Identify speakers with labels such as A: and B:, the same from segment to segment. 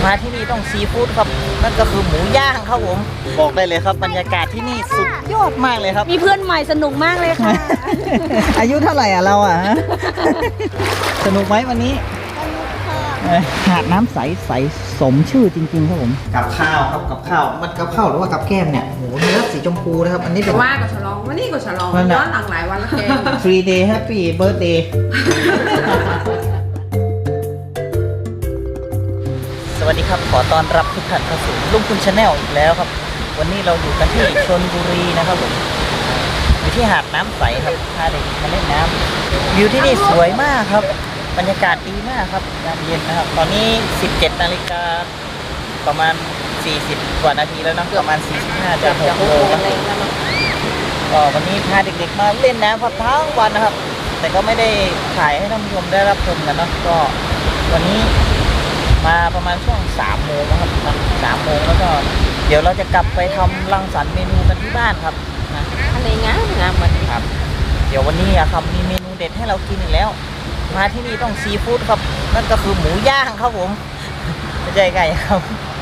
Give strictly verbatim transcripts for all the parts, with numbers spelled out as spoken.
A: มาที่นี่ต้องซีฟู้ดครับนั่นก็คือหมูย่างครับผมบอกได้เลยครับบรรยากาศที่นี่สุดยอดมากเลยครับ
B: มีเพื่อนใหม่สนุกมากเลยค่ะ
A: อายุเท่าไหร่อ่ะเราอ่ะ สนุกไหมวันนี้หาดน้ำใสใสสมชื่อจริงๆครับผมกับข้าวครับกับข้าวมันกับข้าวหรือว่ากับแก้มเนี่ยโหเนื้อสีชมพูนะครับอันนี้เป็น
C: ว่าก็ฉลองวันนี้ก็ฉลองย้อนหลังหลายวันแล้วแก
A: three day happy birthday สวัสดีครับขอต้อนรับทุกท่านเข้าสู่ลุงคุณชาแนลอีกแล้วครับวันนี้เราอยู่กันที่ชลบุรีนะครับผมอยู่ที่หาดน้ำใสครับพาเด็กมาเล่นน้ำวิวที่นี่สวยมากครับบรรยากาศดีมากครับยามเย็นนะครับตอนนี้สิบเจ็ดนาฬิกาประมาณสี่สิบกว่านาทีแล้วนะประมาณสี่สิบห้าจะหกโมงแล้วก็วันนี้พาเด็กๆมาเล่นน้ำครับทั้งวันนะครับแต่ก็ไม่ได้ถ่ายให้ท่านผู้ชมได้รับชมกันเนาะก็วันนี้มาประมาณช่วงสามโมงนะครับสามโมงแล้วก็เดี๋ยวเราจะกลับไปทำรังสรรค์เมนูกันที่บ้านครับนะ
B: ทะเลงามงามมัน
A: ครับเดี๋ยววันนี้อะครับมีเมนูเด็ดให้เรากินอีกแล้วมาที่นี่ต้องซีฟู้ดครับนั่นก็คือหมูย่างครับผมไม่ใช่ไก่ครับ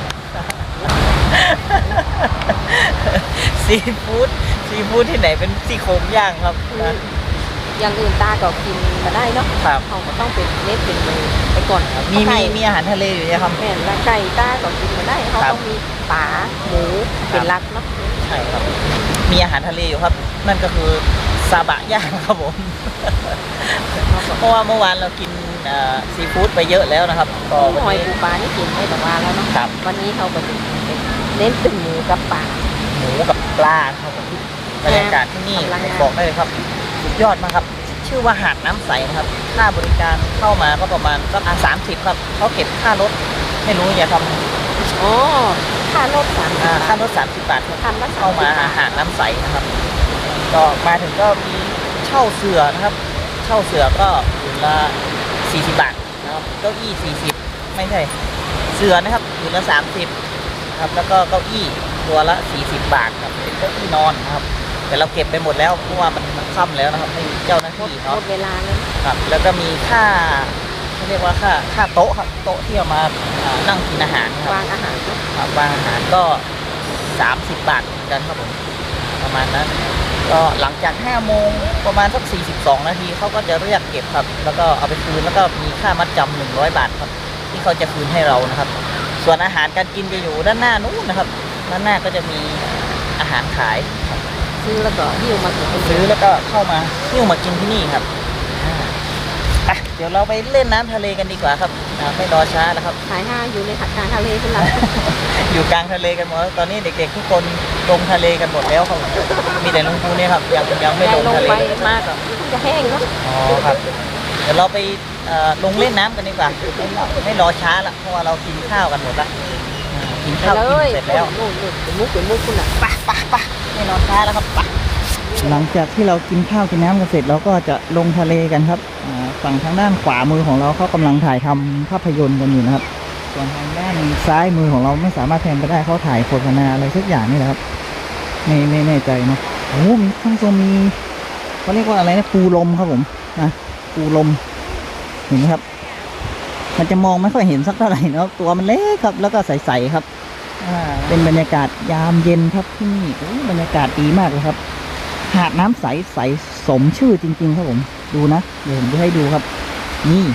A: ซีฟู้ดซีฟู้ดที่ไหนเป็นซี่โครงย่างครับนะ
B: อย่างอื่นตาก็กินมาได้เนาะ
A: ครับ
B: เขาก็ต้องเป็นเน็ตเป็นมือไปก่อน
A: มีมีมีอาหารทะเลอยู่นะครับ
B: แม่นละไก่ตาก็กินมาได้เขาต้องมีปลาหมูเป็นหลักเนาะ
A: ใช่ครับมีอาหารทะเลอยู่ครับนั่นก็คือซาบะย่างครับผม เพราะว่าเมื่อวานเรากินซีฟู้ดไปเยอะแล้วนะครับก็
B: ห
A: วัน
B: อย
A: นี้
B: ปูปลานี่กินไม่แต่ว่าแล้วเนาะ
A: ครับ
B: วันนี้เขาก็จะเน้นเป็นหมูกับปลา
A: หมูกับปลาครับผมบรรยากาศที่นี่บอกได้เลยครับสุดยอดมากครับชื่อว่าหาดน้ำใสนะครับค่าบริการเข้ามาก็ประมาณก็สามสิบครับเขาเก็บค่ารถไม่รู้อย่าทำ
B: อ๋อค่ารถสาม
A: อ่าค่ารถสามสิบบาทครับ
B: คันละ
A: เข้ามาหาดน้ำใสนะครับก็มาถึงก็มีเช่าเสือนะครับเช่าเสือก็คืนละสี่สิบบาทนะครับเก้าอี้สี่สิบไม่ใช่เสือนะครับคืนละสามสิบครับแล้วก็เก้าอี้ตัวละสี่สิบบาทครับเป็นเก้าอี้นอนนะครับแต่เราเก็บไปหมดแล้วเพราะว่ามันมันค่ำแล้วนะครับไม่มีเจ้าหน้าที่
B: ห
A: เขา
B: มดเวลาแล้ว
A: ครับแล้วก็มีค่าเขาเรียกว่าค่าค่าโต๊ะครับโต๊ะที่เอามาอ่านั่งกินอาหารครับ
B: วางอาหารเนาะ
A: ครับวางอาหารก็สามสิบบาทเหมือนกันครับผมประมาณนั้นก็หลังจากห้าโมงประมาณสักสี่สิบสองนาทีเขาก็จะเรียกเก็บครับแล้วก็เอาไปคืนแล้วก็มีค่ามัดจำหนึ่งร้อยบาทครับที่เขาจะคืนให้เรานะครับส่วนอาหารการกินจะอยู่ด้านหน้านู้นนะครับด้านหน้าก็จะมีอาหารขายครับ
B: ซื้อแล้วก็หิ้วมาถึง
A: ซื้อแล้วก็เข้ามาหิ้วมากินที่นี่ครับอ่าไปเดี๋ยวเราไปเล่นน้ำทะเลกันดีกว่าครับอ่าไม่รอช้าแล้วครับ
B: ขายห้าอยู่ในหัดกลางทะเลขึ้นหลัง
A: อยู่กลางทะเลกันหมดตอนนี้เด็กๆทุกคนลงทะเลกันหมดแล้วครับมีแต่ลุงปูเนี่ยครับยังยังไม่ลง
B: ลง
A: ทะเล
B: ไปมากอ่ะมันจะแห้งเนาะ
A: อ๋อครับเดี๋ยวเราไปเอ่อลงเล่นน้ำกันดีกว่าไม่รอช้าละเพราะว่าเรากินข้าวกันหมดละอ่ากินข้าวกินเสร็จแล้ว
B: นู่นนู่นเป็นมุกเป็นมุกคุณอ่ะ
A: ปะปะปะไม่รอช้าแล้วครับปะหลังจากที่เรากินข้าวกินน้ำกันเสร็จเราก็จะลงทะเลกันครับฝั่งทางด้านขวามือของเราเขากำลังถ่ายทำภาพยนตร์กันอยู่นะครับส่วนทางด้านซ้ายมือของเราไม่สามารถแทนไปได้เขาถ่ายโฆษณาอะไรสักอย่างนี่แหละครับไม่ไม่แน่ใจเนาะโอ้มีข้างตรงมีเขาเรียกว่าอะไรนะปูลมครับผมนะปูลมเห็นไหมครับมันจะมองไม่ค่อยเห็นสักเท่าไหร่เนาะตัวมันเล็กครับแล้วก็ใสๆครับอ่าเป็นบรรยากาศยามเย็นครับที่นี่โอ้บรรยากาศดีมากเลยครับหาดน้ำใสใสสมชื่อจริงๆครับผมดูนะเดี๋ยวผมจะให้ดูครับนี่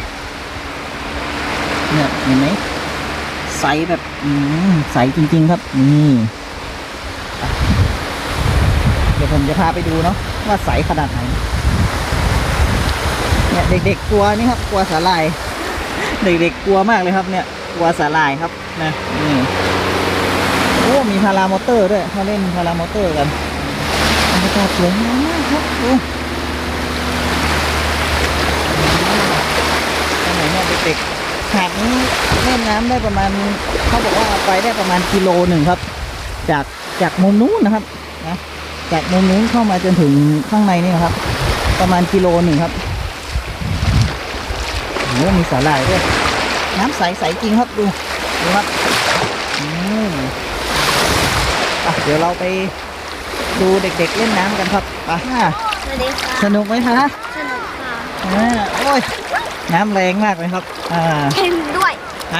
A: เนี่ยเห็นไหมใสแบบอืมใสจริงๆครับนี่เดี๋ยวผมจะพาไปดูเนาะว่าใสขนาดไหนเนี่ยเด็กๆกลัวนี่ครับกลัวสาหร่ายเด็กๆกลัวมากเลยครับเนี่ยกลัวสาหร่ายครับนะนี่โอ้มีพารามอเตอร์ด้วยเขาเล่นพารามอเตอร์กันบรรยากาศสวยงามมากครับดูตรงไหนเนี่ยเด็กๆหาดนี้เล่นน้ำได้ประมาณเขาบอกว่าไปได้ประมาณกิโลหนึ่งครับจากจากมุมนู้นนะครับนะจากมุมนู้นเข้ามาจนถึงข้างในนี่นะครับประมาณกิโลหนึ่งครับโอ้มีสาหร่ายด้วยน้ำใสใสจริงครับดูดูครับอืมอ่ะเดี๋ยวเราไปดูเด็กๆเล่นน้ำกันครับไป
B: สวัสดีค่ะ
A: สนุกไหมคะ
B: สนุกค่ะ
A: อ่าโอ้ยน้ำแรงมากเลยครับอ่า
B: เค็มด้วย
A: ฮะ
B: เ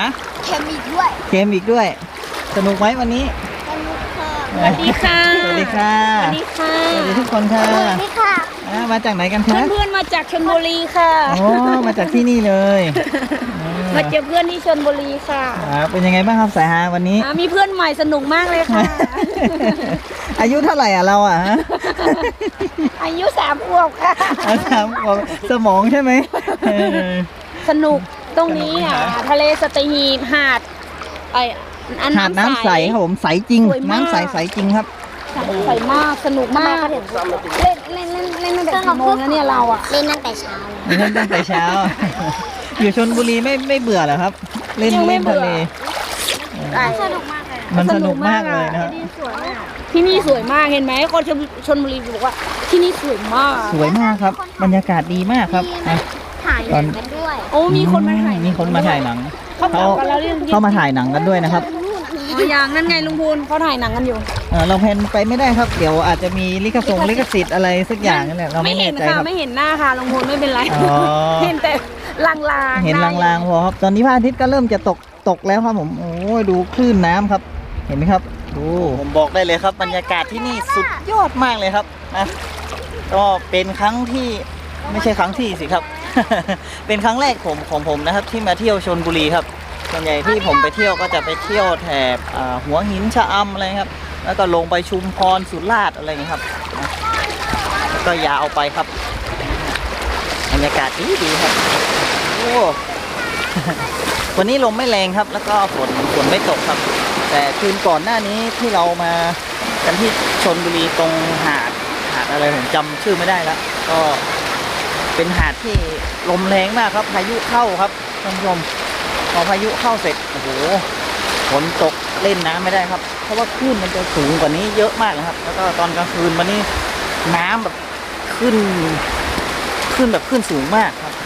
D: เค็มอีกด้วย
A: เกมอีกด้วย สนุกไหมวันนี้
D: สนุกค่ะ
B: สวัสดีค่ะ
A: สวัสดีค่ะ
B: สวัสดีค่ะ
A: สวัสดีทุกคนค่ะ
D: สวัสดีค่ะ
A: อ่ามาจากไหนกันคะ
B: เพื่อนๆมาจากชลบุรีค่ะ
A: โอ้มาจากที่นี่เลยเออ
B: มาเจอเพื่อนที่ชลบุรีค่ะ
A: อ่าเป็นยังไงบ้างครับสายฮาวันนี้
B: อ่ามีเพื่อนใหม่สนุกมากเลยค่ะ
A: อายุเท่าไหร่อ่ะเราอ่ะฮะ
B: อายุสามขวบค่ะ
A: อาถามของสมองใช่ไหมเออ
B: สนุกตรงนี้อ่ะทะเลสตีหีบหาดไออัน
A: หาดน้ำใสครับผมใสจริง
B: สวยมาก
A: น้ำใสใสจริงครับ
B: ใสมากสนุกมากเล่นเล่นเล่นเล่นตั้งแต่กี่โมงแล้วเนี่ยเราอ่ะ
D: เล่นตั้งแต่เช้าเลย
A: เล่นตั้งแต่เช้า อยู่ชลบุรีไม่ไม่เบื่อเหรอครับ เล่น
B: ยังไม่
A: เล่นทะเล
B: เบื่อ
D: สนุกมากเลย
A: มันสนุกมากเลยนะครับ
D: สวยอ่ะ
B: ที่นี่สวยมากเห็นไหมคนชลชลบุรีบอกว่าที่นี่สวยมาก
A: สวยมากครับ บรรยากาศดีมากครับอ่ะ
D: ถ่ายหนังกันด้วย
B: โอ้มีคนมาถ่าย
A: มีคนมาถ่ายหนัง
B: เขา
A: เขา
B: กลับกันแล้วเรื่อง
A: เขามาถ่ายหนังกันด้วยนะครับ
B: อ๋ออย่างนั่นไงลุงพูนเขาถ่ายหนังกันอยู่
A: เออเราแพลนไปไม่ได้ครับ เดี๋ยวอาจจะมีลิขสงลิขสิทธิ์อะไรสักอย่างนั่นแหละเราไม่
B: เห็
A: แน่
B: น
A: ใจ
B: ค่ะ
A: ครับ
B: ไม่เห็นหน้าค่ะลุงพูนไม่เป็นไร
A: อ๋อ
B: เห็นแต่ลางๆ
A: เห็นลางๆพอครับ ตอนนี้พระอาทิตย์ก็เริ่มจะตกตกแล้วครับผม โอ้ยดูคลื่นน้ำครับ เห็นไหมครับ ดู ผมบอกได้เลยครับ บรรยากาศที่นี่สุดยอดมากเลยครับนะ ก็เป็นครั้งที่ไม่ใช่ครั้งที่สิครับ เป็นครั้งแรกผมของผมนะครับ ที่มาเที่ยวชลบุรีครับ ส่วนใหญ่ที่ผมไปเที่ยวก็จะไปเที่ยวแถบอ่าหัวหินชะอำอะไรครับ แล้วก็ลงไปชุมพรสุราษฎร์อะไรอย่างนี้ยครับนะแล้วก็ยาวไปครับ บรรยากาศดีดีครับ โอ้ วันนี้ลมไม่แรงครับ แล้วก็ฝนฝนไม่ตกครับ แต่คืนก่อนหน้านี้ที่เรามากันที่ชลบุรีตรงหาดหาดอะไรผมจำชื่อไม่ได้แล้ว ก็เป็นหาดที่ลมแรงมากครับ พายุเข้าครับท่านผู้ชมพอพายุเข้าเสร็จโอ้โหฝนตกเล่นน้ำไม่ได้ครับ เพราะว่าคลื่นมันจะสูงกว่านี้เยอะมากนะครับ แล้วก็ตอนกลางคืนวันนี้น้ำแบบขึ้นขึ้นแบบขึ้นสูงมากครับ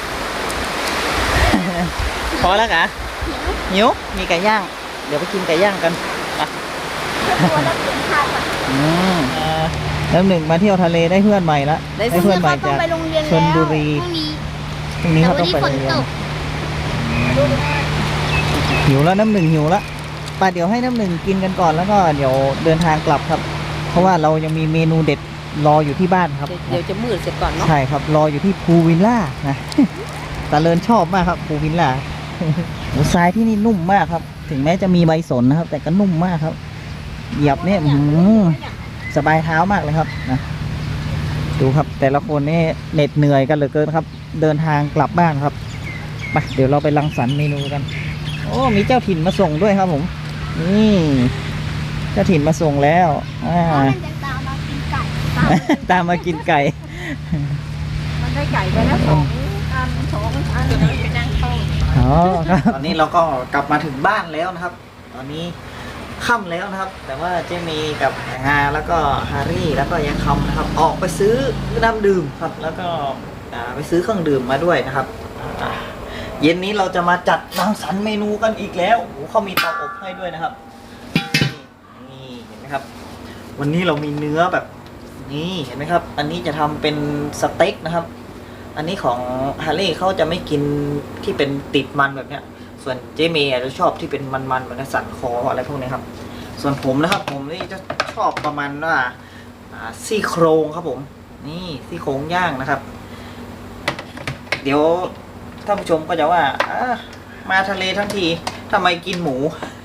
A: พอแล้วกะหิวมีไก่ย่าง เดี๋ยวไปกินไก่ย่างกันไป
D: ตัวแล้วเปลี่ยนข้าวก่อน
A: อืมอ่าแล้วหนึ่งมาเที่ยวทะเลได้เพื่อนใหม่ละได้เพื่อนใหม่
D: ต้อ
A: จาง ก
D: ไปโรงเรียน
A: ชลบุรี
D: พรุ่งนี้
A: พรุ่งนี้
D: แต่
A: เขา
D: วั
A: ต้อง
D: นี้
A: ไป
D: ฝ
A: โรง
D: น
A: เรียน
D: ตก
A: หิวแล้วน้ำหนึ่งหิวแล้วไปเดี๋ยวให้น้ำหนึ่งกินกันก่อนแล้วก็เดี๋ยวเดินทางกลับครับ เพราะว่าเรายังมีเมนูเด็ดรออยู่ที่บ้านครับ
B: เดี๋ยวจะมืดเสร็จก่อนเนาะ
A: ใช่ครับรออยู่ที่พูวิลล่านะ ตาเลินชอบมากครับพูวิลล่า หมูทรายที่นี่นุ่มมากครับ ถึงแม้จะมีใบสนนะครับ แต่ก็นุ่มมากครับ เหยียบเนี่ยอื้อหือสบายเท้ามากเลยครับนะดูครับแต่ละคนนี่เหน็ดเหนื่อยกันเหลือเกินครับ เดินทางกลับบ้านครับไปเดี๋ยวเราไปรังสรรค์เมนูกัน โอ้มีเจ้าถิ่นมาส่งด้วยครับผมนี่เจ้าถิ่นมาส่งแล้วอ่า
D: มันจะตามมากินไก่
A: ตามมากินไก่
B: มันได้ไก่ไปแล้วสองอันสองอันไปนั่งเข้า
A: อ๋อครับตอนนี้เราก็กลับมาถึงบ้านแล้วนะครับ ตอนนี้ค่ำแล้วนะครับ แต่ว่าเจมีกับฮาแล้วก็ฮารี่แล้วก็ยังคำนะครับ ออกไปซื้อน้ำดื่มครับ แล้วก็อ่าไปซื้อเครื่องดื่มมาด้วยนะครับอ่าเย็นนี้เราจะมาจัดรังสรรค์เมนูกันอีกแล้วโอ้โหเขามีเตาอบให้ด้วยนะครับนี่นี่เห็นไหมครับ วันนี้เรามีเนื้อแบบนี่เห็นไหมครับ อันนี้จะทำเป็นสเต็กนะครับ อันนี้ของฮาร์รี่เขาจะไม่กินที่เป็นติดมันแบบเนี้ย ส่วนเจเมย์จะชอบที่เป็นมันๆเหมือนสันคออะไรพวกนี้ครับ ส่วนผมนะครับ ผมนี่จะชอบประมาณว่าอ่าซี่โครงครับผม นี่ซี่โครงย่างนะครับ เดี๋ยวท่านผู้ชมก็จะว่าอ่ามาทะเลทั้งทีทำไมกินหมู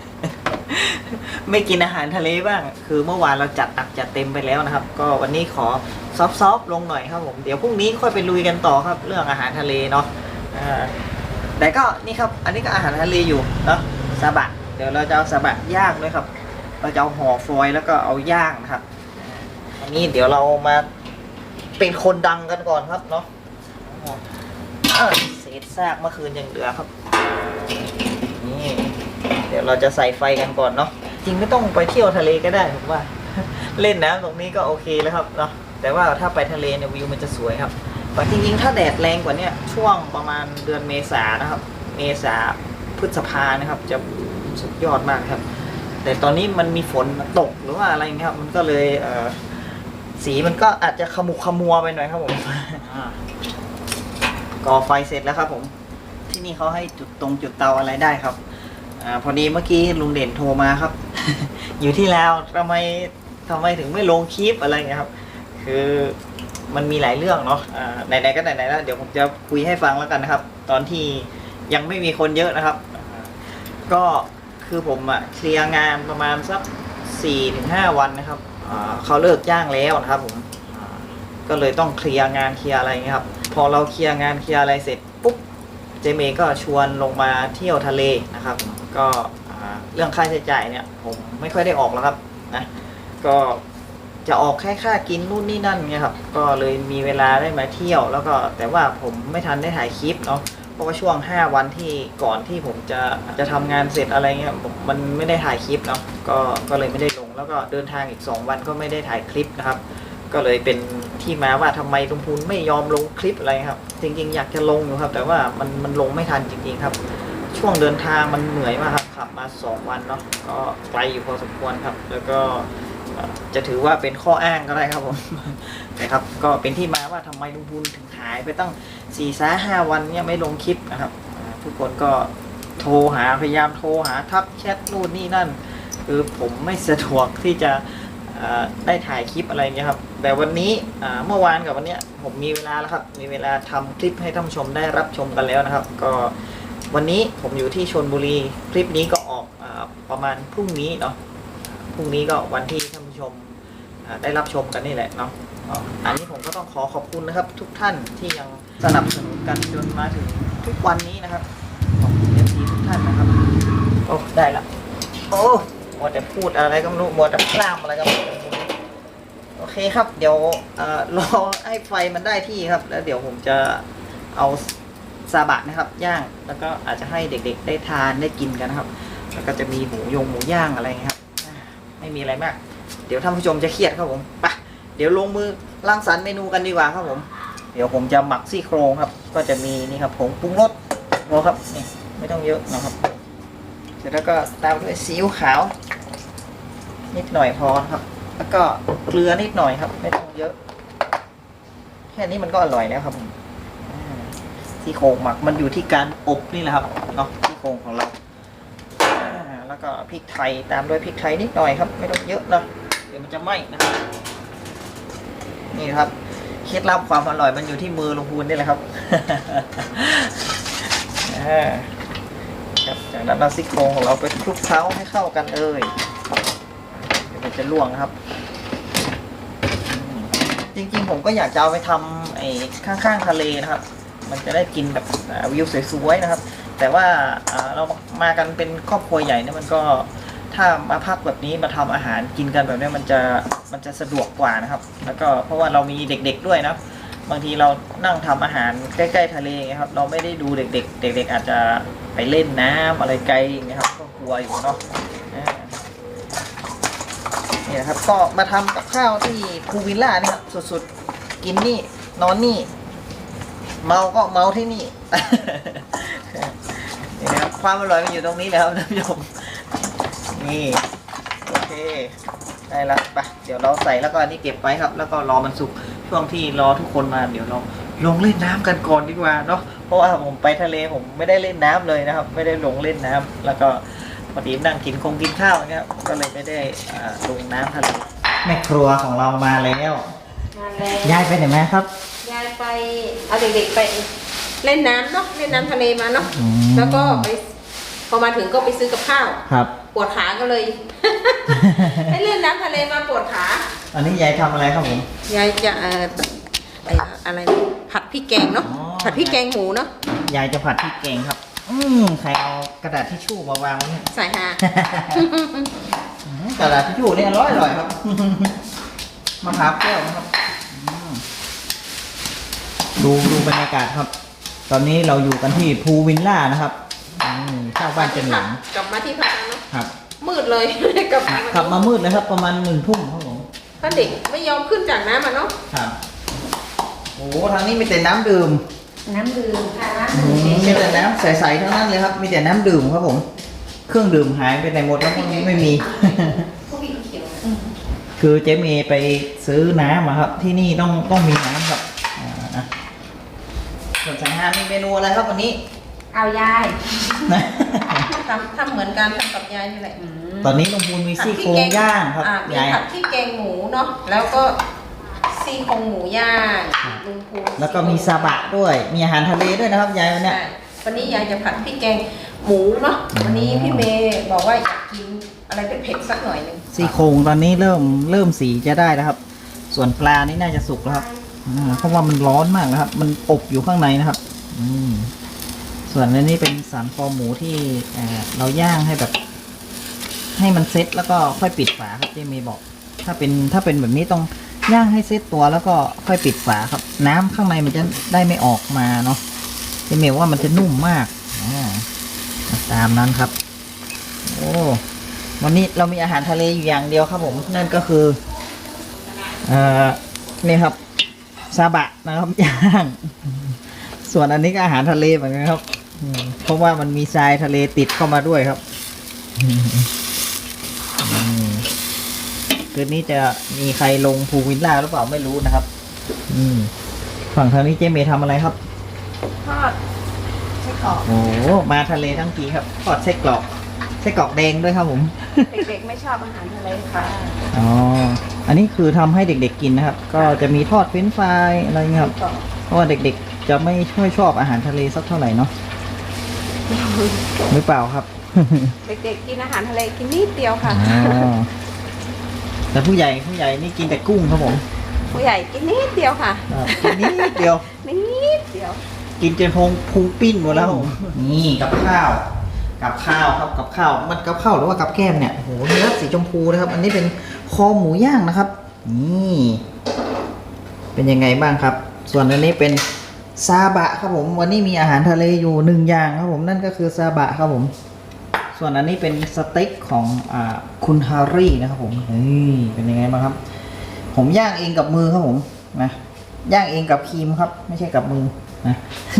A: ไม่กินอาหารทะเลบ้าง คือเมื่อวานเราจัดหนักจัดเต็มไปแล้วนะครับ ก็วันนี้ขอซอฟๆลงหน่อยครับผม เดี๋ยวพรุ่งนี้ค่อยไปลุยกันต่อครับ เรื่องอาหารทะเลเนาะอ่าแต่ก็นี่ครับ อันนี้ก็อาหารทะเลอยู่เนาะซาบะ เดี๋ยวเราจะเอาซาบะย่างด้วยครับ เราจะเอาห่อฟอยล์แล้วก็เอาย่างนะครับอันนี้เดี๋ยวเรามาเป็นคนดังกันก่อนครับเนาะอ่าเศษซากเมื่อคืนยังเหลือครับนี่เดี๋ยวเราจะใส่ไฟกันก่อนเนาะจริงไม่ต้องไปเที่ยวทะเลก็ได้ผมว่า เล่นน้ำตรงนี้ก็โอเคแล้วครับเนาะแต่ว่าถ้าไปทะเลเนี่ยวิวมันจะสวยครับแต่จริงๆถ้าแดดแรงกว่านี้ช่วงประมาณเดือนเมษานะครับ เมษาพฤษภานะครับ จะสุดยอดมากครับ แต่ตอนนี้มันมีฝนตกหรือว่าอะไรอย่างเงี้ยครับมันก็เลยเอ่อสีมันก็อาจจะขมุกขมัวไปหน่อยครับผม ก่อไฟเสร็จแล้วครับผมที่นี่เขาให้จุดตรงจุดเตาอะไรได้ครับอ่าพอดีเมื่อกี้ลุงเด่นโทรมาครับ อยู่ที่แล้วทำไมทำไมถึงไม่ลงคลิปอะไรเงี้ยครับ คือมันมีหลายเรื่องเนาะอ่าไหนๆก็ไหนๆแล้วเดี๋ยวผมจะคุยให้ฟังแล้วกันนะครับ ตอนที่ยังไม่มีคนเยอะนะครับอ่าก็คือผมอะเคลียร์งานประมาณสักสี่ถึงห้าวันนะครับอ่าเขาเลิกจ้างแล้วนะครับผมอ่าก็เลยต้องเคลียร์งานเคลียร์อะไรเงี้ยครับพอเราเคลียร์งานเคลียร์อะไรเสร็จปุ๊บเจเมย์ก็ชวนลงมาเที่ยวทะเลนะครับก็เรื่องค่าใช้จ่ายเนี่ยผมไม่ค่อยได้ออกแล้วครับนะก็จะออกแค่ค่ากินนู่นนี่นั่นเงี้ยครับก็เลยมีเวลาได้มาเที่ยวแล้วก็แต่ว่าผมไม่ทันได้ถ่ายคลิปเนาะเพราะว่าช่วงห้าวันที่ก่อนที่ผมจะจะทำงานเสร็จอะไรเงี้ยผมมันไม่ได้ถ่ายคลิปเนาะก็ก็เลยไม่ได้ลงแล้วก็เดินทางอีกสองวันก็ไม่ได้ถ่ายคลิปนะครับก็เลยเป็นที่มาว่าทำไมลุงพูนไม่ยอมลงคลิปอะไรครับจริงๆอยากจะลงอยู่ครับแต่ว่ามันมันลงไม่ทันจริงๆครับช่วงเดินทางมันเหนื่อยมากครับขับมาสองวันเนาะก็ไกลอยู่พอสมควรครับแล้วก็จะถือว่าเป็นข้ออ้างก็ได้ครับผม นะครับก็เป็นที่มาว่าทำไมลุงพูนถึงหายไปตั้งสี่สาห้าวันเนี่ยไม่ลงคลิปนะครับทุกคนก็โทรหาพยายามโทรหาทักแชทนู่นนี่นั่นคือผมไม่สะดวกที่จะได้ถ่ายคลิปอะไรเงี้ยครับแต่วันนี้เมื่อวานกับวันนี้ผมมีเวลาแล้วครับมีเวลาทำคลิปให้ท่านผู้ชมได้รับชมกันแล้วนะครับก็วันนี้ผมอยู่ที่ชลบุรีคลิปนี้ก็ออกอ่าประมาณพรุ่งนี้เนาะพรุ่งนี้ก็วันที่ท่านผู้ชมได้รับชมกันนี่แหละเนาะอันนี้ผมก็ต้องขอขอบคุณนะครับทุกท่านที่ยังสนับสนุนกันจนมาถึงทุกวันนี้นะครับขอบคุณเอฟซีทุกท่านนะครับโอ้ได้ละโอ้มัวแต่พูดอะไรก็ไม่รู้มัวแต่พร่ำอะไรก็ไม่รู้โอเคครับเดี๋ยวรอให้ไฟมันได้ที่ครับแล้วเดี๋ยวผมจะเอาซาบะนะครับย่างแล้วก็อาจจะให้เด็กๆได้ทานได้กินกันนะครับแล้วก็จะมีหมูยงหมูย่างอะไรครับไม่มีอะไรมากเดี๋ยวท่านผู้ชมจะเครียดครับผมไปเดี๋ยวลงมือรังสรรค์เมนูกันดีกว่าครับผมเดี๋ยวผมจะหมักซี่โครงครับก็จะมีนี่ครับผงปรุงรสโครับนี่ไม่ต้องเยอะนะครับเสร็จแล้วก็ตามด้วยซีอิ๊วขาวนิดหน่อยพอครับแล้วก็เกลือนิดหน่อยครับไม่ต้องเยอะแค่นี้มันก็อร่อยแล้วครับผมซี่โครงหมักมันอยู่ที่การอบนี่แหละครับเนาะซี่โครงของเราแล้วก็พริกไทยตามด้วยพริกไทยนิดหน่อยครับไม่ต้องเยอะนะเดี๋ยวมันจะไหม้นะครับนี่ครับเคล็ดลับความอร่อยมันอยู่ที่มือลุงพูนนี่แหละครับ ครับจากนั้นเราซี่โครงของเราไปคลุกเคล้าให้เข้ากันเอ่ยเดี๋ยวมันจะล่วงนะครับจริงๆผมก็อยากจะเอาไปทำไอ้ข้างๆทะเลนะครับมันจะได้กินแบบวิวสวยๆนะครับแต่ว่าเรามากันเป็นครอบครัวใหญ่เนี่ยมันก็ถ้ามาพักแบบนี้มาทำอาหารกินกันแบบนี้มันจะมันจะสะดวกกว่านะครับแล้วก็เพราะว่าเรามีเด็กๆด้วยนะบางทีเรานั่งทำอาหารใกล้ๆทะเลครับเราไม่ได้ดูเด็กๆเด็กๆอาจจะไปเล่นน้ำอะไรไกลอย่างเงี้ยครับก็กลัวอยู่เนาะนี่นะครับก็มาทำกับข้าวที่พูวิลล่านี่ครับสุดๆกินนี่นอนนี่เมาก็เมาที่นี่ นี่นะครับความอร่อยมันอยู่ตรงนี้แล้วท่านผู้ชมนี่โอเคได้แล้วไปเดี๋ยวเราใส่แล้วก็อันนี้เก็บไว้ครับแล้วก็รอมันสุกช่วงที่รอทุกคนมาเดี๋ยวเราลงเล่นน้ำกันก่อนดีกว่าเนาะเพราะว่าผมไปทะเลผมไม่ได้เล่นน้ำเลยนะครับไม่ได้ลงเล่นน้ำแล้วก็พอดีนั่งกินคงกินข้าวอย่างเงี้ยก็เลยไม่ได้ลงน้ำทะเลแม่ครัวของเรามาแล้ว
C: มาแล้ว
A: ยายไปไหนมาครับ
C: ยายไปเอาเด็กๆไปเล่นน้ำเนาะเล่นน้ำทะเลมาเนาะแล้วก็ไปพอมาถึงก็ไปซื้อกับข้าว
A: ครับ
C: ปวดขาก็เลย ให้เล่นน้ำทะเลมาปวดขา
A: อันนี้ยายทำอะไรครับผม
C: ยายจะเอ่ออะไรผัดพริกแกงเนาะผัดพริกแกงหมูเนาะ
A: ยายจะผัดพริกแกงครับอืมใครเอากระดาษทิชชู่มาวางไว้
C: ใส่ฮะ
A: กระดาษทิชชู่นี่อร่อยอร่อยครับมะพร้าวแก้วนะครับดูดูบรรยากาศครับตอนนี้เราอยู่กันที่พูวิลล่านะครับเช่าบ้านเจนหลัง
C: กลับมาที่พักเนาะ
A: ครับ
C: มืดเลยกลับ
A: กลับมามืดเลยครับประมาณหนึ่งทุ่มครับผม
C: ถ้าเด็กไม่ยอมขึ้นจากน้ำมาเนาะ
A: ครับโอ้ทางนี้มีแต่น้ำดื่ม
C: น้ำดื่มค่ะน้ำดื่ม
A: มีแต่น้ำใสๆทั้งนั้นเลยครับมีแต่น้ำดื่มครับผมเครื่องดื่มหายไปไหนหมดแล้วพวกนี้ไม่มีคือเจ๊เมย์ไปซื้อน้ำมาครับที่นี่ต้องต้องมีน้ำครับส่วนสังหารมีเมนูอะไรครับวันนี้
B: เอายาย
C: ทำทำเหมือนกันทำกับยายนี่แหละ
A: ตอนนี้ลุงพูนมีซี่โครงย่างครับ
C: อ่มี
A: ยาย
C: ผัดที่แกงหมูเนาะแล้วก็ซี่โครงหมูย่างลุงพูน
A: แล้วก็มีซาบะด้วย มีอาหารทะเลด้วยนะครับยายวันเนี้ย
C: ใช่วันนี้ยายจะผัดพริกแกงหมูเนาะวันนี้พี่เมย์บอกว่าอยากกินอะไรเป็นเผ็ดสักหน่อยหนึง
A: ซี่โครงตอนนี้เริ่มเริ่มสีจะได้แล้วครับ ส่วนปลานี่น่าจะสุกแล้วครับอ่าเพราะว่ามันร้อนมากนะครับ มันอบอยู่ข้างในนะครับอืมส่วนอันนี้เป็นสันคอหมูที่เอ่อเราย่างให้แบบ ให้มันเซ็ตแล้วก็ค่อยปิดฝาครับที่เมย์บอก ถ้าเป็นถ้าเป็นแบบนี้ต้องย่างให้เซ็ตตัวแล้วก็ค่อยปิดฝาครับ น้ำข้างในมันจะได้ไม่ออกมาเนาะที่เมย์ว่ามันจะนุ่มมากอ่าตามนั้นครับ โอ้วันนี้เรามีอาหารทะเลอยู่อย่างเดียวครับผมนั่นก็คือเอ่อนี่ครับซาบะนะครับย่างส่วนอันนี้ก็อาหารทะเลเหมือนกันครับอืมเพราะว่ามันมีทรายทะเลติดเข้ามาด้วยครับอืมคืนนี้จะมีใครลงภูวิลล่าหรือเปล่าไม่รู้นะครับ อืมฝั่งทางนี้เจเมย์ทำอะไรครับ
C: ทอดไส้กรอก
A: โอ้มาทะเลทั้งทีครับทอดไส้กรอกไส้กรอกแดงด้วยครับผม
C: เด็กๆไม่ชอบอาหารทะเลค่ะ
A: อ๋อ อันนี้คือทำให้เด็กๆกินนะครับ ก็จะมีทอดเฟรนช์ฟรายอะไรเงี้ยครับ เพราะว่าเด็กๆจะไม่ค่อยชอบอาหารทะเลสักเท่าไหร่เนาะหรือเปล่าครับ
C: เด็กๆกินอาหารทะเลกินนิดเดียวค่ะ
A: อ๋อ แต่ผู้ใหญ่ผู้ใหญ่นี่กินแต่กุ้งครับผม
C: ผู้ใหญ่กินนิดเดียวค่ะ
A: อ่ากินนิดเดียว
C: นิดเดียว
A: กินจนพงพุงปิ้นหมดแล้วผมนี่กับข้าว กับข้าวครับกับข้าว มันกับข้าวหรือว่ากับแก้มเนี่ยโอ้โหเนื้อสีชมพูนะครับ อันนี้เป็นคอหมูย่างนะครับ นี่ เป็นยังไงบ้างครับ ส่วนอันนี้เป็นซาบะครับผม วันนี้มีอาหารทะเลอยู่หนึ่งอย่างครับผมนั่นก็คือซาบะครับผม ส่วนอันนี้เป็นสเต็กของอ่าคุณฮารี่นะครับผมนี่เป็นยังไงบ้างครับ ผมย่างเองกับมือครับผมนะย่างเองกับครีมครับ ไม่ใช่กับมือนะ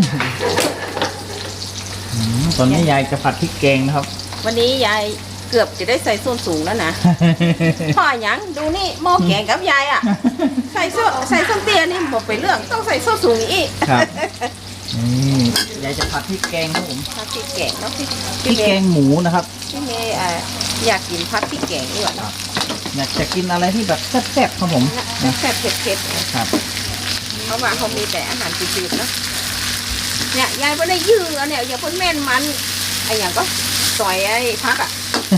A: อืมตอนนี้ยายจะผัดพริกแกงนะครับ
C: วันนี้ยายเกือบจะได้ใส่ส้นสูงแล้วนะ พ่อหยังดูนี่หม้อแกงกับยายอ่ะ ใส่ส้นใส่ส้นเตี้ยนี่บอกไปเรื่องต้องใส่ส้นสูงอีก
A: ครับนี่ยายจะผัดพริกแกงครับผม
C: ผัดพริกแกงเนาะพี่
A: พริกแกงหมูนะครับ
C: พี่เมย์อ่ะอยากกินผัดพริกแกงดีกว่าเนาะ
A: อยากจะกินอะไรที่แบบแซ่บๆครับผมนะ
C: แซ่บๆเผ็ด
A: ครับ
C: ๆเพราะว่าเขามีแต่อาหารจืดๆเนาะเนี่ยยายไม่ได้ยื้อเนี่ยอย่าเพิ่งแม่นมันไอ้อย่างก็ซอยไอ้พักอ่ะ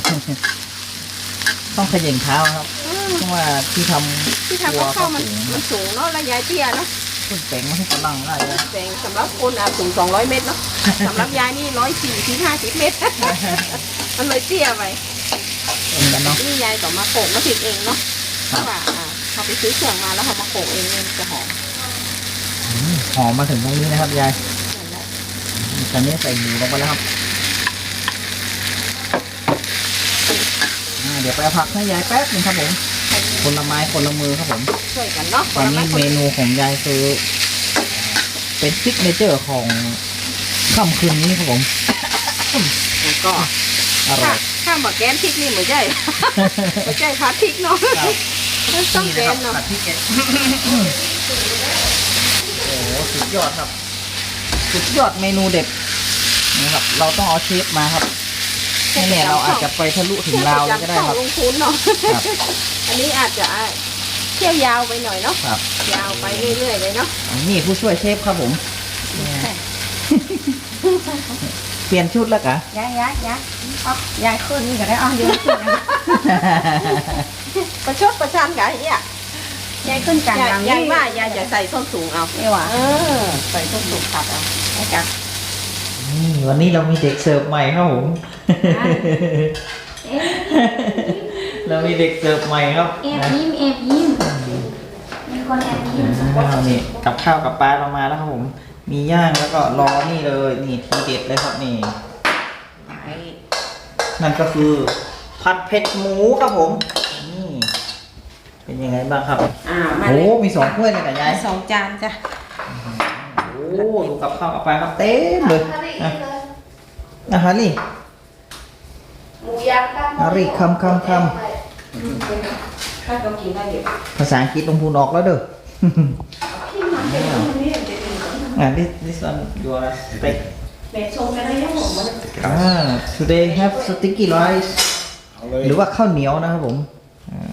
A: ต้องเขย่งเท้าครับ
C: อืม
A: เพราะว่าที่ทำ
C: ที่ทำ
A: ครัว
C: กับ
A: ก็
C: ข้าวมัน
A: สูง
C: มันสูงเนาะแล้วยายเตี้ยเนาะ
A: ขึ้นแปลงไม่ให้กำลังได้เลย
C: แต่สำหรับคนอ่ะสูงสองร้อยเมตรเนาะ สำหรับยายนี่ร้อยสี่ถึงห้าสิบเมตร มันเลยเตี้ยไป
A: เหมือนกันเนาะ
C: นี่ยายก็มาโขกมาผิดเองเนาะเพ
A: ครับ
C: ราะว่าอ่าเขาไปซื้อเครื่องมาแล้วเขามาโขกเองเนี่ยจะหอม
A: อืมหอมมาถึงตรงนี้นะครับยาย
C: นั่นแหละ
A: ตอนนี้ใส่หมูลงไปแล้วครับอ่าเดี๋ยวไปเอาผักให้ยายแป๊บหนึงครับผม คนละไม้คนละมือครับผม
C: ช่วยกันเนาะ
A: ตอนนี้
C: ค
A: เม
C: ละ
A: นูของยายคือเป็นซิกเนเจอร์ของค่ำคืนนี้ครับผม
C: แล้วก็
A: อร่
C: ถ้า
A: อย
C: ถ้าบอกแกนพริกนี่เหมือนใช่ไม่ใช่พัดพริกเนาะ
A: ครับ
C: ต้อง
A: นี่
C: แก
A: นะครับ
C: นเนาะ
A: ผัดพริกแกงโอ้โหสุดยอดครับ สุดยอดเมนูเด็ดนะครับ เราต้องเอาเชฟมาครับไม่แน่เราอาจจะไปทะลุถึงลาวเลยก็ได้ครับ
C: ลงทุนเนาะ
A: ครับ
C: อันนี้อาจจะเที่ยวยาวไปหน่อยเนาะ
A: ครับ
C: ยาวไปเรื่อยๆเลยเนาะ
A: นี่ผู้ช่วยเชฟครับผม เปลี่ยนชุดแล้วกะ
B: ยายยายยายเอายายขึ้นนี่ก็ได้เอาเดี๋ยวขึ้นนะ
C: ประชดประชันกับไอ้เนี่ย
B: ยายขึ้นกลาง
C: ยาย
B: หลัง
C: ยายว่ายายจะใส่ส้นสูงเอา
B: นี่หว่า
C: เออใส่ส้นสูงขัดเอาไอ้จัก
A: นี่วันนี้เรามีเด็กเสิร์ฟใหม่ครับผม เรามีเด็กเสิร์ฟใหม่ครับ
B: แอบ
A: นะ
B: ยิ้มแอบยิ้มมีคนแอบยิ้ม
A: อ้าวนี่กับข้าวกับปลาเรามาแล้วครับผม มีย่างแล้วก็รอนี่เลยนี่ทีเด็ดเลยครับนี่
C: ไอ้
A: นั่นก็คือ ผัดเผ็ดหมูครับผมนี่เป็นยังไงบ้างครับ
C: อ่ามา
A: โอ้
C: เลย
A: มีสองถ้วยเลยกับยาย
C: สองจานจ้ะ
A: โอ้ดูกับข้าวกับปลาครับเต็มเลยนะอาหารนี่
D: หมูย่างกัน
A: อาริคำคำค
C: ถ้าเรากินได้เดี๋ยว
A: ำภาษาอังกฤษลงพูนออกแล้วเด้อ อ่า this this one your steak
C: แม่ชงกันได้ยังหมด
A: อ่า today have sticky rice หรือว่าข้าวเหนียวนะครับผมอ่า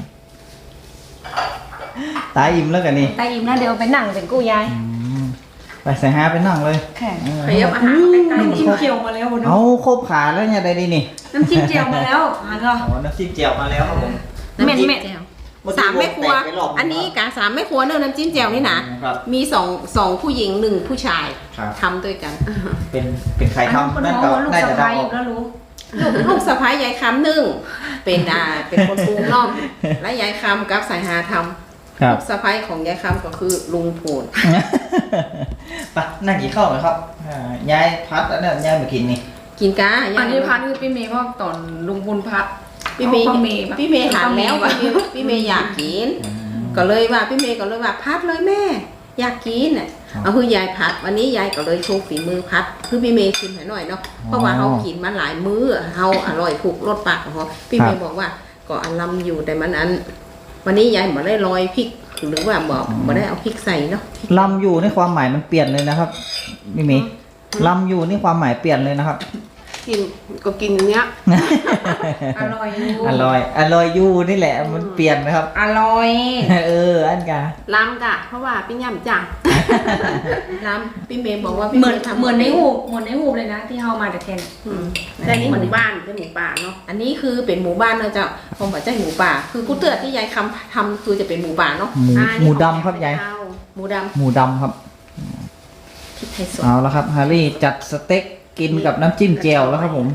A: ตายอิ่มแล้วกันนี่
B: ตาอิ่มแล้วเดี๋ยวไปนั่งเป็นกู้ยาย
A: อืมไปใส่ฮาไปนั่งเลย
B: แข่
A: เออ
C: ขยับอาหารใกล้
B: น้ำจิ้มเจียวมาแล้วคุณ
A: เอาครบขาแล้วเนี่ยได้ดีนี่
B: น้ำจิ้มเจียวมาแล้วอ่านก็
A: อ๋อน้ำจิ้มเจียวมาแล้วครับผม
C: ๆน้ำจิ้มแจ่วสามแม่ครัว อันนี้กาสามแม่ครัวเนอะน้ำจิ้มแจ่วนี่นะครับ มีสองสองผู้หญิงหนึ่งผู้ชาย
A: ครับ
C: ทำด้วยกัน
A: เป็นเป็นใคร
B: อันนั้นคน
A: ทำนั่น
B: โง่
A: ก็
B: ลูก
A: น่า
B: สะ
A: จะเดา
B: พ้าย
A: ออก
B: ก็รู้
C: ลูกลูกสะพ้ายยายคำหนึ่งเป็นอ่าเป็นคนปรุงเนอกและยายคำกับสายหาทำ
A: ครับ
C: ลูกสะพ้ายของยายคำก็คือลุงโผล
A: ไปนั่งกินข้าวหน่อยครับอ่ายายพัดแล้วเนี่ยยายมากินนี่
C: กินกา
E: อันนี้พัดคือพี่เมย์เพราะตอนลุงบุญพัด
C: พี่เมย์
E: อาป้าเมย์ปะ
C: พี่เมย์หันแล้ว
E: ป้า
C: พี่
E: เมย์
C: เมย์พี่เมย์อยากกิน ก็เลยว่าพี่เมย์ก็เลยว่าพัดเลยแม่ อยากกินน่ะ
A: ครับ
C: เอาคือยายพัด วันนี้ยายก็เลยโชว์ฝีมือพัดคือพี่เมย์ชิมให้หน่อยเนาะเพราะว่าเขากินมาหลายมื้อเฮาอร่อยถูกรสปากของเขาพี่เมย์บอกว่าก็อลัมอยู่แต่มันอัน วันนี้ยายบ่ได้ลอยพริกหรือว่าบ่บ่ได้เอาพริกใส่เนาะ
A: ลำอยู่ในความหมายมันเปลี่ยนเลยนะครับพี่เมย์ลำอยู่นี่ความหมายเปลี่ยนเลยนะครับ
D: กินก็กินอย่างเนี้ย
E: อร่อยอยู่
A: อร่อยอร่อยอยู่นี่แหละมันเปลี่ยนนะครับ
E: อร่อย
A: เอออันกา
D: ล้ำกะ เพราะว่าพี่ย่ำจัง
C: น้ำพี่เมย์บอกว่าพี่
B: เหมือน
C: ย์ทำ
B: เหมือนในหูเหมือนในหูเลยนะที่เฮามาแต่เทน
C: อืม
D: แต่นี่หมู่บ้านเป็นหมู่ป่าเนาะ
C: อันนี้คือเป็นหมู่บ้านนะเจ้าผมบอกเจ้าหมูป่า คือกูเตือนที่ยายคำทำคือจะเป็นหมู่ป่าเนาะ
A: หมู
D: อ่า
A: หมูดำครับยาย
C: หมูด
A: หมูดำครับ
C: ำพริกไทยสด
A: เอาแล้วครับฮาร์รี่จัดสเต็กกินกับน้ำจิ้มแจ่วแล้วครับผม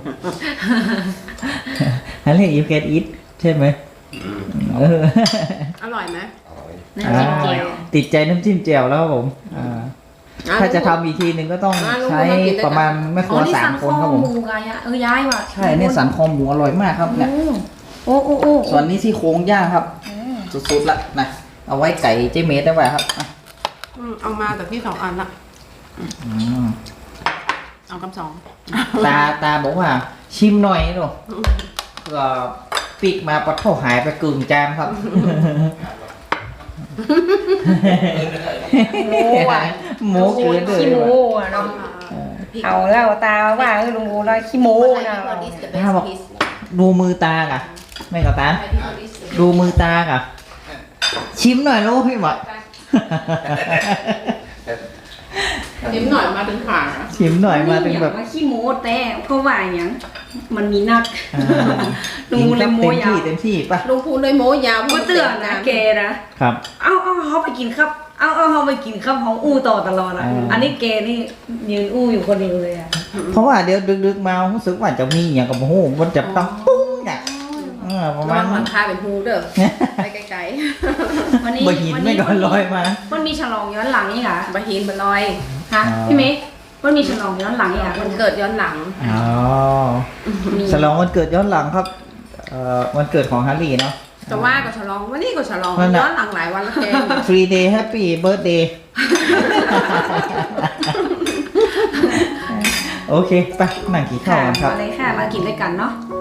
A: ฮาร์รี่ยูแคนอิทใช่ไหมเออ
D: อร่อยไหม
B: น้ำจิ้มเจียว
A: อ่าติดใจน้ำจิ้มแจ่วแล้วครับผมอ่าถ้าจะทำอีกทีหนึ่งก็ต้องใช้ประมาณไม่ค
B: อ๋
A: รั
B: อ
A: ว
B: นี่
A: สา
B: สั
A: ม
B: น
A: ค
B: คอน
A: ครับผม
B: หมูกายะเออย้ายว่ะ
A: ใช่เนี่ยสันคอหมูอร่อยมากครับเนี่ย
B: โอ้โอ้โอ้
A: ส่วนนี้ที่โครงย่างครับ สุดๆละนะเอาไว้ไก่เจเมสได้ไหมครับอ่ะ
D: อืมเอามาแต่พี่สองอันละ
A: อืม
D: เอากำสอง
A: ตาตาบอกว่าชิมหน่อยหนูก็ปีกมาปัดเท่าหายไปกึ่งจานครับ
B: โมอ่ะ
A: โมเกินเลย
B: ขี้โมอ่ะเนาะเอาแล้วตาว่าเออลุงกูแล้วขี้โมนะ
A: ถ้าบอกดูมือตากะไม่กับตาดูมือตากะชิมหน่อยลูกให้หมด
C: นิดหน่อยมาถึงผ่าน
A: ชิมหน่อยมาถึงแบบ
B: ว่าขี้โมแต่เพราะว่าอย่างมันมีนัก
A: อ่า
B: ลุง
A: กิน
B: เลย
A: ครับ
B: โม
A: เต็ม
B: ยาว
A: ที่เต็มที่ป่ะ
C: ลุงพูนเลยโม้ยาว
B: ก็เตือนนะแกนะครับ เอาเอาเขาไปกินครับ เอาเอาเขาไปกินครับเขาอู้ต่อตลอดอ่ะ
A: อ่า
B: อันนี้แกนี่ยืนอู้อยู่คนเดียวเลยอ่ะ
A: เพราะว่าเดี๋ยวดึกๆมารู้สึกว่าจะมีอย่างกับโอ้โหมันจะต้องปุ้งเนี่ยเออประ
C: ระ
A: มา
C: วั
A: ณ
C: งห
A: นั้
C: ลั
A: น
C: งคาเป็นฮูเด้อไปไกล
B: วันนี้
A: บ่หินไม่ก็ลอยมา
B: มันมีฉลองย้อนหลังนี่ค่ะ
C: ๆบะหินบะลอย
B: ฮะ
A: อ๋อ
B: พี่เมย์มันมีฉลองย้อนหลังนี่ค่ะ
C: มันเกิดย้อนหลัง
A: อ๋อ
B: มี
A: ฉลองวันเกิดย้อนหลังครับเอ่อวันเกิดของฮาร์รี่เนาะ
C: แต่ว่าก็ฉลองวันนี้ก็ฉลอง
A: นั่นน่ะ
C: ย้อนหลังหลายวันแล้วแก
A: Free day Happy Birthday โอเค ไปนั่งกินข้าว
B: ค่ะ
A: กันครับ
B: มาเลยค่ะมากินด้วยกันเนาะ